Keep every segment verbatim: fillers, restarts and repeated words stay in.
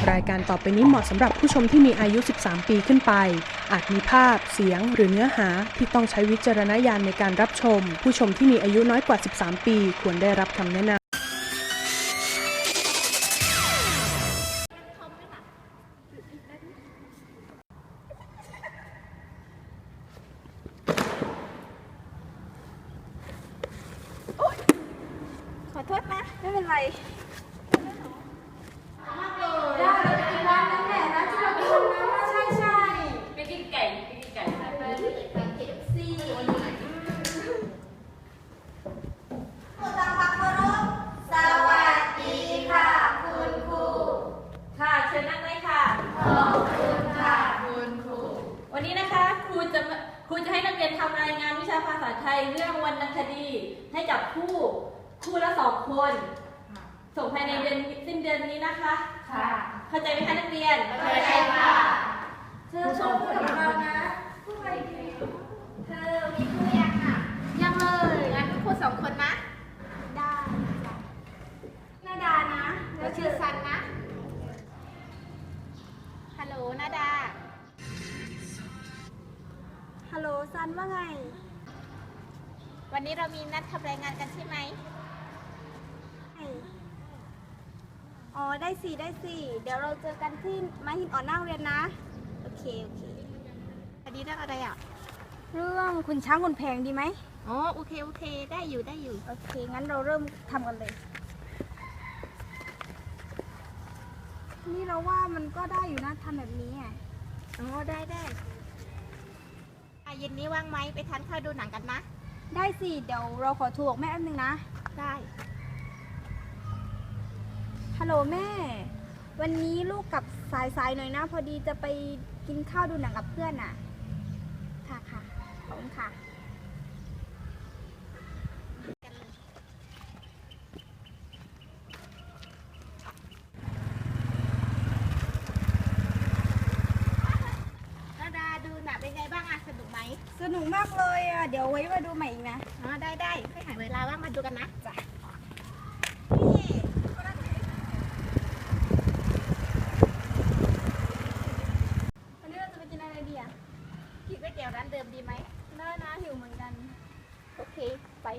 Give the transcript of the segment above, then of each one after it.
รายการต่อไปนี้เหมาะสำหรับผู้ชมที่มีอายุ สิบสาม ปีขึ้นไป อาจมีภาพ เสียง หรือเนื้อหาที่ต้องใช้วิจารณญาณในการรับชม ผู้ชมที่มีอายุน้อยกว่า สิบสาม ปีควรได้รับคำแนะนำขอโทษนะ ไม่เป็นไรได้เลยกินร้านนั้นแหละร้านที่เราไปทำนั้นใช่ใช่ไปกินไก่ไปกินไก่ไปไปเค เอฟ ซีวันนี้ผู้ตามพักเคารพสวัสดีค่ะคุณครูค่ะเชิญนั่งเลยค่ะขอบคุณค่ะคุณครูวันนี้นะคะครูจะครูจะให้นักเรียนทำรายงานวิชาภาษาไทยเรื่องวรรณคดี ให้กับคู่คู่ละสองคนส่งภายในเดือนสิ้นเดือนนี้นะคะค่ะเข้าใจไหมคะนักเรียนเข้าใจค่ะเธอชอบพูดกับเรานะพูดไปเธอมีคู่ยังอ่ะยังเลยงั้นคู่สองคนนะได้นาดานะแล้วชื่อซันนะฮัลโหลนาดาฮัลโหลซันว่าไงวันนี้เรามีนัดทำรายงานกันใช่ไหมอ๋อได้สิได้สิเดี๋ยวเราเจอกันที่ม้าหินอ่อนหน้าโรงเรียนนะโอเคโอเคอันนี้เรื่องอะไรอ่ะเรื่องคุณช้างคุณแพงดีไหมอ๋อโอเคโอเคได้อยู่ได้อยู่โอเคงั้นเราเริ่มทำกันเลยนี่เราว่ามันก็ได้อยู่นะทำแบบนี้อ่ะอ๋อได้ได้เย็นนี้ว่างไหมไปทานข้าวดูหนังกันนะได้สิเดี๋ยวเราขอโทรบอกแม่แป๊บนึงนะได้ฮัลโหลแม่วันนี้ลูกกลับสายๆหน่อยนะพอดีจะไปกินข้าวดูหนังกับเพื่อนน่ะค่ะค่ะขอบคุณค่ะนาดาดูหนังเป็นไงบ้างอะสนุกไหมสนุกมากเลยอะเดี๋ยวไว้มาดูใหม่อีกนะอ๋อได้ได้ค่อยหาเวลาว่างมาดูกันนะจ้ะกินก๋วยเตี๋ยวร้านเดิมดีไหมน่าน่าหิวเหมือนกันโอเคไป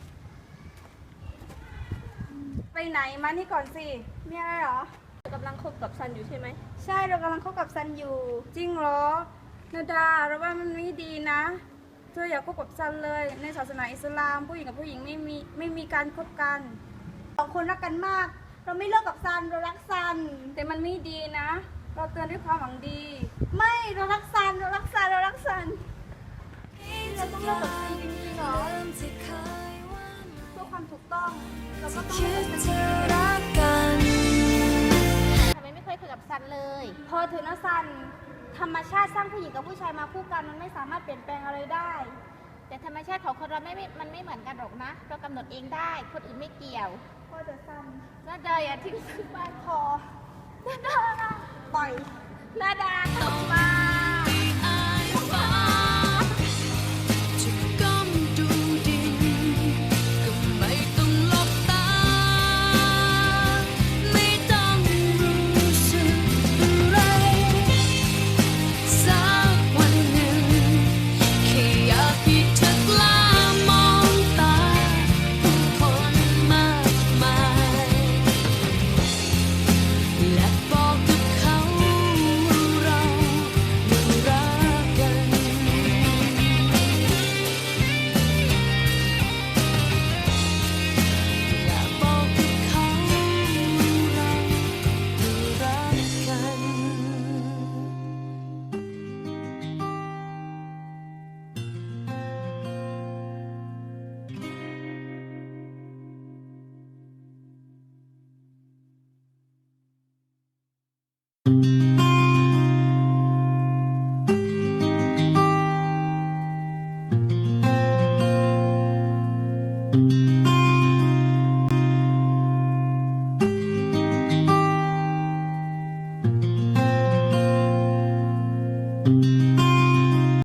ไปไหนมานี่ก่อนสิมีอะไรเหรอกำลังคบกับซันอยู่ใช่ไหมใช่เรากำลังคบกับซันอยู่จริงเหรอนาดาเราว่ามันไม่ดีนะเธออย่าคบกับซันเลยในศาสนาอิสลามผู้หญิงกับผู้หญิงไม่มีไม่มีการคบกันสองคนรักกันมากเราไม่เลิกกับซันเรารักซันแต่มันไม่ดีนะเราเตือนด้วยความหวังดีไม่เรารักซันเรารักซันเรารักซันเราต้องเลิกกับซันจริงๆเหรอเพื่อความถูกต้องเราก็ต้องเลิกกับซันทำไมไม่เคยคุยกับซันเลยพอเถอะนะซันธรรมชาติสร้างผู้หญิงกับผู้ชายมาคู่กันมันไม่สามารถเปลี่ยนแปลงอะไรได้แต่ธรรมชาติของคนเราไม่มันไม่เหมือนกันหรอกนะเรากำหนดเองได้คนอื่นไม่เกี่ยวพอเถอะซันน่าดาอย่าทิ้งซันบ้านพอนาดาปล่อยนาดาตกมา thank you